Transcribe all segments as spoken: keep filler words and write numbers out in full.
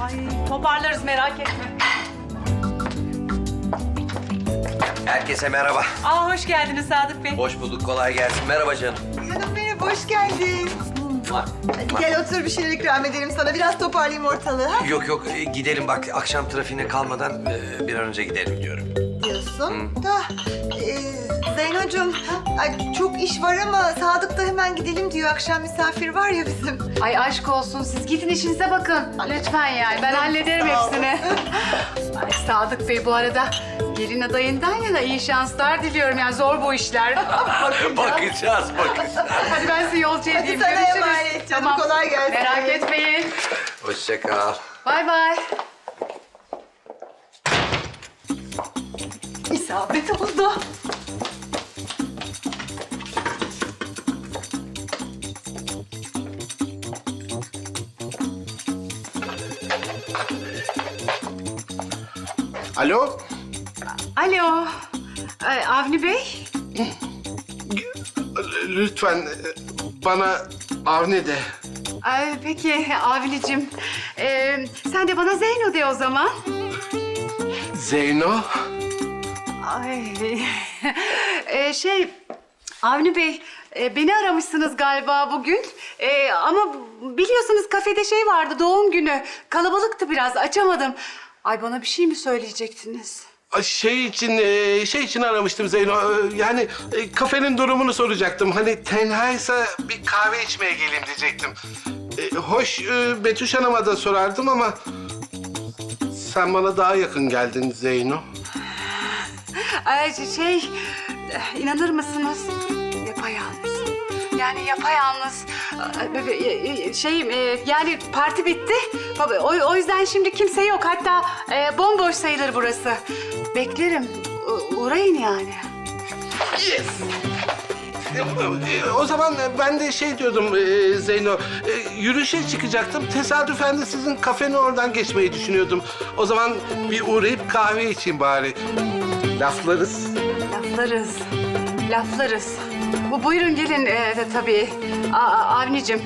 Ay toparlarız merak etme. Herkese merhaba. Aa hoş geldiniz Sadık Bey. Hoş bulduk, kolay gelsin. Merhaba canım. Canım merhaba, hoş geldin. Mua. Hadi Mua. gel otur bir şeyler ikram edelim sana. Biraz toparlayayım ortalığı. Ha? Yok yok, e, gidelim bak. Akşam trafiğine kalmadan e, bir an önce gidelim diyorum. Diyorsun da... E, Zeynocuğum, ay, çok iş var ama Sadık da hemen gidelim diyor. Akşam misafir var ya bizim. Ay aşk olsun siz gidin işinize bakın. Lütfen yani ben hallederim Sağ ol. hepsini. Ay Sadık Bey bu arada gelin adayından yana iyi şanslar diliyorum. Yani zor bu işler. Bakacağız, bakacağız. Hadi ben size yolcu Hadi edeyim. sana Görüşürüz. emanet canım, kolay gelsin. Merak etmeyin. Hoşça kal. Bay bay. İsabet oldu. Alo? Alo. Ay, Avni Bey. Lütfen e, bana Avni de. Ay, peki Avni'cim. Ee, sen de bana Zeyno de o zaman. Zeyno? Ay, Ee, şey, Avni Bey, e, beni aramışsınız galiba bugün. E, ama biliyorsunuz kafede şey vardı, doğum günü. Kalabalıktı biraz, açamadım. Ay bana bir şey mi söyleyecektiniz? Ay, Şey için, e, şey için aramıştım Zeyno. E, Yani e, kafenin durumunu soracaktım. Hani tenhaysa bir kahve içmeye geleyim diyecektim. E, Hoş e, Betüş Hanım'a da sorardım ama... Sen bana daha yakın geldin Zeyno. Ay, şey, inanır mısınız? Yapayalnız. Yani yapayalnız. Ay, Şey, e, yani parti bitti. O, o yüzden şimdi kimse yok. Hatta e, bomboş sayılır burası. Beklerim. U- uğrayın yani. Yes! E, e, O zaman ben de şey diyordum e, Zeyno, e, yürüyüşe çıkacaktım. Tesadüfen de sizin kafenin oradan geçmeyi düşünüyordum. O zaman bir uğrayıp kahve içeyim bari. Laflarız. Laflarız. Laflarız. Bu buyurun gelin e, de, tabii. A, A- Avnicim.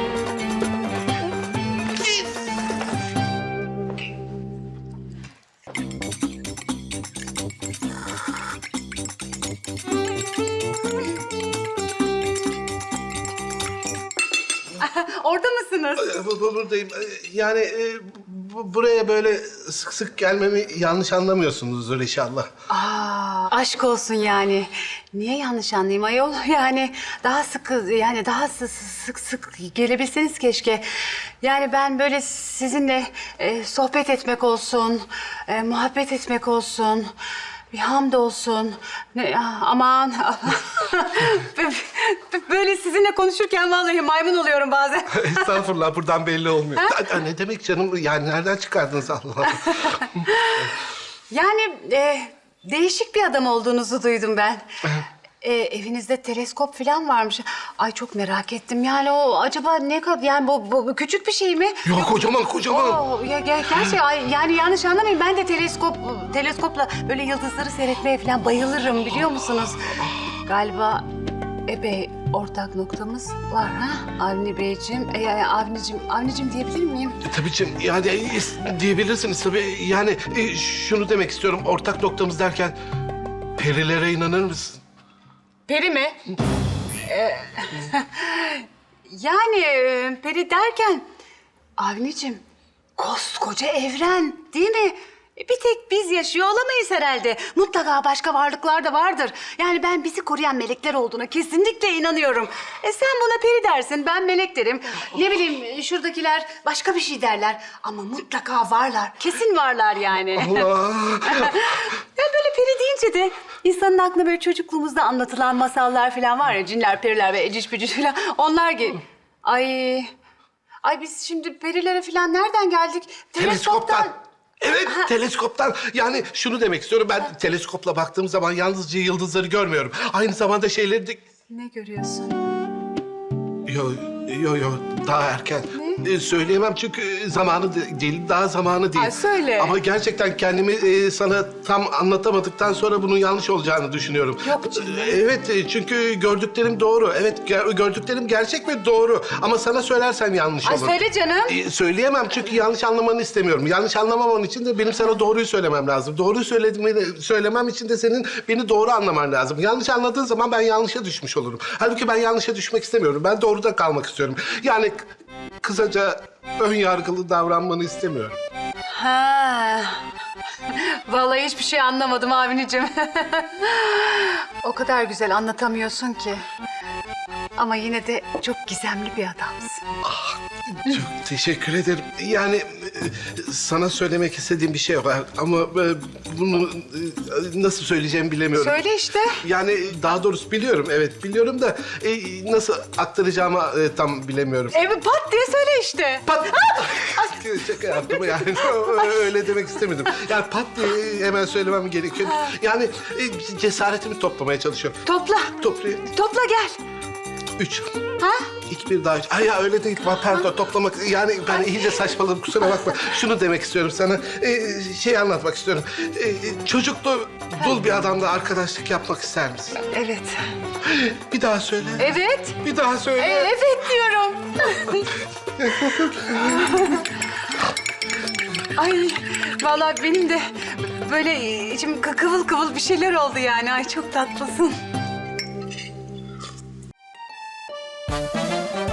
Orada mısınız? E, bu- bu- Buradayım. E, Yani e, bu- buraya böyle sık sık gelmemi yanlış anlamıyorsunuzdur inşallah. Aa, aşk olsun yani. Niye yanlış anlayayım ayol? Yani daha sık, yani daha sık sık, sık gelebilseniz keşke. Yani ben böyle sizinle e, sohbet etmek olsun, e, muhabbet etmek olsun, bir hamd olsun. Ne, aman. Böyle sizinle konuşurken vallahi maymun oluyorum bazen. Estağfurullah, buradan belli olmuyor. Ha, Ne demek canım? Yani nereden çıkardınız Allah Allah? Yani e, değişik bir adam olduğunuzu duydum ben. E, evinizde teleskop falan varmış. Ay çok merak ettim. Yani o acaba ne kadar yani bu, bu, bu küçük bir şey mi? Yok, kocaman kocaman. Oo, ya, ger gerçi ay, yani yanlış anlamayın. Ben de teleskop teleskopla böyle yıldızları seyretmeye falan bayılırım biliyor musunuz? Galiba epey ortak noktamız var ha Avni Beyciğim. E, yani Avnicim, Avnicim diyebilir miyim? E, tabii canım, yani e, diyebilirsiniz tabii. Yani e, şunu demek istiyorum, ortak noktamız derken... Perilere inanır mısın? Peri mi? Ee, yani e, peri derken... Avnicim, koskoca evren değil mi? E, Bir tek biz yaşıyor olamayız herhalde. Mutlaka başka varlıklar da vardır. Yani ben bizi koruyan melekler olduğuna kesinlikle inanıyorum. E sen buna peri dersin, ben melek derim. Ne bileyim şuradakiler başka bir şey derler. Ama mutlaka varlar. Kesin varlar yani. Allah! Ya böyle peri deyince de insanın aklına böyle çocukluğumuzda anlatılan masallar falan var ya, cinler, periler ve eciş bücüş falan. Onlar gel. Ay, ay biz şimdi perilere falan nereden geldik? Teleskoptan. Evet, teleskoptan. Yani şunu demek istiyorum, ben teleskopla baktığım zaman yalnızca yıldızları görmüyorum. Aynı zamanda şeyleri de... Ne görüyorsun? Yo, yo, yo, daha erken. Ne? e, söyleyemem çünkü zamanı de- değil, daha zamanı değil. Ay, söyle. Ama gerçekten kendimi e, sana tam anlatamadıktan sonra bunun yanlış olacağını düşünüyorum. Yok canım. E, Evet, e, çünkü gördüklerim doğru. Evet, ger- gördüklerim gerçek ve doğru. Ama sana söylersem yanlış Ay olur. söyle canım. E, söyleyemem çünkü yanlış anlamanı istemiyorum. Yanlış anlamaman için de benim sana doğruyu söylemem lazım. Doğruyu söylediğimi söylemem için de senin beni doğru anlaman lazım. Yanlış anladığın zaman ben yanlışa düşmüş olurum. Halbuki ben yanlışa düşmek istemiyorum. Ben doğruda kalmak istiyorum. Yani k- kısaca ön yargılı davranmanı istemiyorum. Ha. Vallahi hiçbir şey anlamadım Avni'cim. O kadar güzel anlatamıyorsun ki. Ama yine de çok gizemli bir adamsın. Çok teşekkür ederim. Yani e, sana söylemek istediğim bir şey var ama e, bunu e, nasıl söyleyeceğimi bilemiyorum. Söyle işte. Yani daha doğrusu biliyorum, evet biliyorum da e, nasıl aktaracağımı e, tam bilemiyorum. Evet pat diye söyle işte. Pat! Şaka yaptım yani. Öyle demek istemedim. Yani pat diye hemen söylemem gerekiyor. Yani e, cesaretimi toplamaya çalışıyorum. Topla. Toplayayım. Topla gel. Üç. Ha? İki bir daha üç. Ay ya öyle değil. Pardon toplamak. Yani ben iyice saçmaladım kusura bakma. Şunu demek istiyorum sana. Ee, şey anlatmak istiyorum. Ee, çocuklu dul bir adamla arkadaşlık yapmak ister misin? Evet. Bir daha söyle. Evet. Bir daha söyle. E, evet diyorum. Ay vallahi benim de böyle içim kı- kıvıl kıvıl bir şeyler oldu yani. Ay çok tatlısın.